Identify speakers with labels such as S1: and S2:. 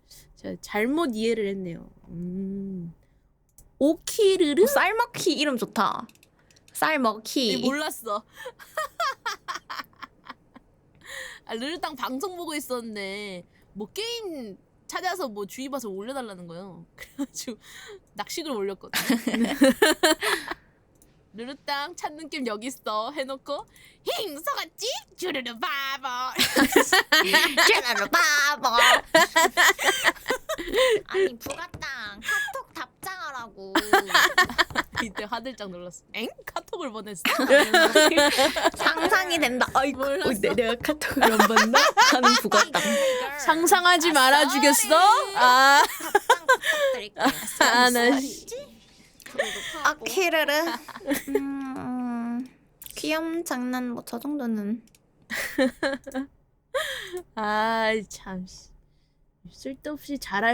S1: 제가 잘못 이해를 했네요. 오키르르?
S2: 쌀먹히 이름 좋다. 쌀먹히.
S1: 몰랐어. 아, 르르땅 방송 보고 있었는데 뭐 게임 찾아서 뭐 주의 봐서 올려달라는 거예요. 그래가지고 낚시글 올렸거든. 르르땅 찾는 김 여기 있어 해놓고 힝 속았지? 주르르 바보.
S2: 쟤네를 바보. 아니 부가땅 카톡 답장하라고.
S1: 이때 화들짝 놀랐어. 엥? 카톡을 보냈어?
S2: 상상이 된다. 아이고
S1: 몰랐어.
S2: 내가 카톡을 안 봤나? 하는 부가땅.
S1: 상상하지 말아주겠어? 아, 나
S2: 아키르르. 귀염 장난 뭐 저 정도는.
S1: 아, 참 쓸데없이 잘할